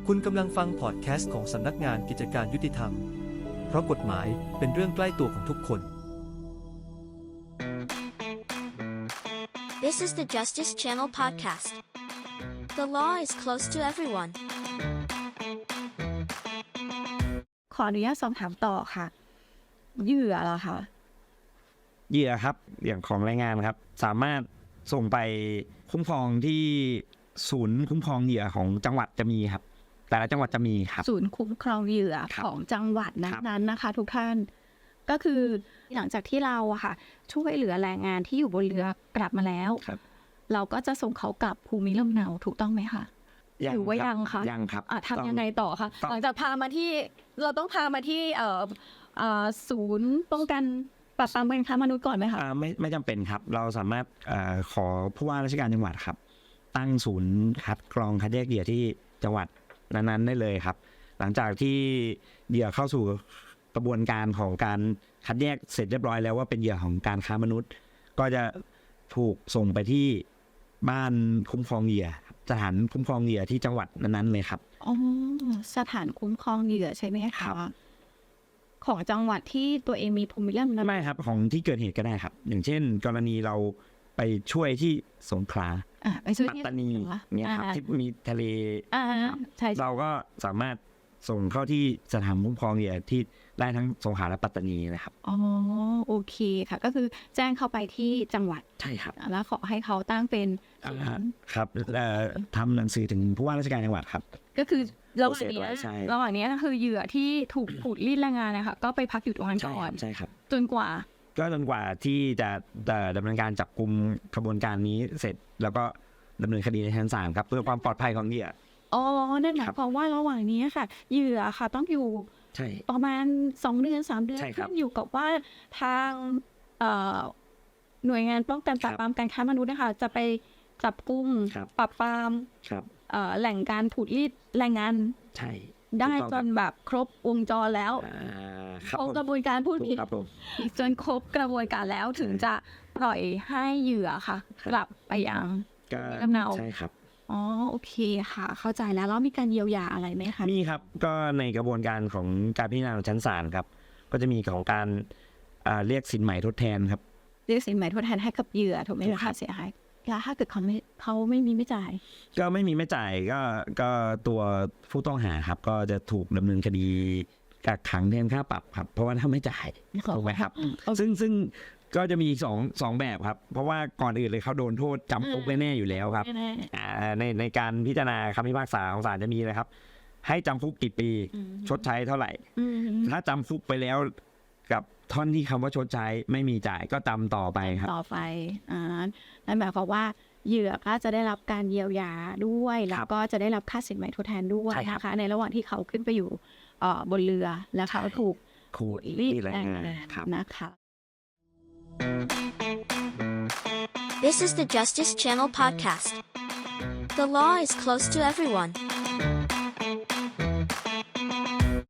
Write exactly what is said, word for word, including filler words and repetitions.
คุณกำลังฟังพอดแคสต์ของสำนักงานกิจการยุติธรรมเพราะกฎหมายเป็นเรื่องใกล้ตัวของทุกคน This is the Justice Channel podcast. The law is close to everyone. ขออนุญาตสอบถามต่อค่ะเหยื่อเหรอคะเหยื่อครับอย่างของแรงงานครับสามารถส่งไปคุ้มครองที่ศูนย์คุ้มครองเหยื่อของจังหวัดจะมีครับแต่ละจังหวัดจะมีครับศูนย์คุ้มครองเหยื่อของจังหวัดนั้นๆนะคะทุกท่านก็คือหลังจากที่เราอะค่ะช่วยเหลือแรงงานที่อยู่บนเรือกลับมาแล้วเราก็จะส่งเขากลับภูมิลำเนาถูกต้องไหมคะหรือว่ายังคะยังครับทำยังไงต่อคะหลังจากพามาที่เราต้องพามาที่เอ่อเอ่อศูนย์ป้องกันปราบปรามการค้ามนุษย์ก่อนไหมคะไม่ไม่จำเป็นครับเราสามารถเอ่อขอผู้ว่าราชการจังหวัดครับตั้งศูนย์คัดกรองคัดแยกเหยื่อที่จังหวัดนั้นๆได้เลยครับหลังจากที่เหยื่อเข้าสู่กระบวนการของการคัดแยกเสร็จเรียบร้อยแล้วว่าเป็นเหยื่อของการค้ามนุษย์ก็จะถูกส่งไปที่บ้านคุ้มครองเหยื่อสถานคุ้มครองเหยื่อที่จังหวัดนั้นๆเลยครับอ๋อสถานคุ้มครองเหยื่อใช่ไหมคะของจังหวัดที่ตัวเองมีภูมิลำเนาไม่ครับของที่เกิดเหตุก็ได้ครับอย่างเช่นกรณีเราไปช่วยที่สงขลาปัตตานีเนี่ยครับที่มีทะเลเราก็สามารถส่งเข้าที่สถานคุ้มครองเหยื่อที่ได้ทั้งสงขลาและปัตตานีนะครับอ๋อโอเคค่ะก็คือแจ้งเข้าไปที่จังหวัดใช่ครับแล้วขอให้เขาตั้งเป็นครับทำหนังสือถึงผู้ว่าราชการจังหวัดครับก็คือระหว่างนี้ระหว่างนี้ก็คือเหยื่อที่ถูกขูดรีดแรงงานนะคะก็ไปพักอยู่ตรงนั้นก่อนใช่ครับจนกว่าก็จนกว่าที่จะดำเนินการจับกุมกระบวนการนี้เสร็จแล้วก็ดำเนินคดีในชั้นศาลครับเพื่อความปลอดภัยของเหยื่ออ๋อนั่นหมายความว่าระหว่างนี้ค่ะเหยื่อค่ะต้องอยู่ประมาณสองเดือนสามเดือนขึ้นอยู่กับว่าทางหน่วยงานป้องกันปราบปรามการค้ามนุษย์นะคะจะไปจับกุมปราบปรามแหล่งการขูดรีดแรงงานได้จนแบบครบวงจรแล้วครบกระบวนการพูดผิดจนครบกระบวนการแล้วถึงจะปล่อยให้เหยื่อค่ะกลับไปยังลำเนาใช่ครับอ๋อโอเคค่ะเข้าใจแล้วแล้วมีการเยียวยาอะไรไหมคะมีครับก็ในกระบวนการของการพิจารณาของชั้นศาลครับก็จะมีของการเรียกสินใหม่ทดแทนครับเรียกสินใหม่ทดแทนให้กับเหยื่อถูกไหมคะเสียหายแล้วถ้าเกิดเขาไม่เขาไม่มีไม่จ่ายก็ไม่มีไม่จ่ายก็ก็ตัวผู้ต้องหาครับก็จะถูกดำเนินคดีกักขังแทนค่าปรับครับเพราะว่าถ้าไม่จ่ายถูกไหมครับซึ่งซึ่งก็จะมีสองสองแบบครับเพราะว่าก่อนอื่นเลยเขาโดนโทษจำคุกแน่ๆอยู่แล้วครับในในการพิจารณาคำพิพากษาของศาลจะมีเลยครับให้จำคุกกี่ปีชดใช้เท่าไหร่ถ้าจำคุกไปแล้วกับท่อนที่คำว่าชดใช้ไม่มีจ่ายก็จำต่อไปครับต่อไปอ่านั่นหมายความว่าเหยื่อก็จะได้รับการเยียวยาด้วยแล้วก็จะได้รับค่าสินใหม่ทดแทนด้วยนะคะในระหว่างที่เขาขึ้นไปอยู่บนเรือแล้วเขาถูกขูดรีดแรงงานนะคะ This is the Justice Channel podcast. The law is close to everyone.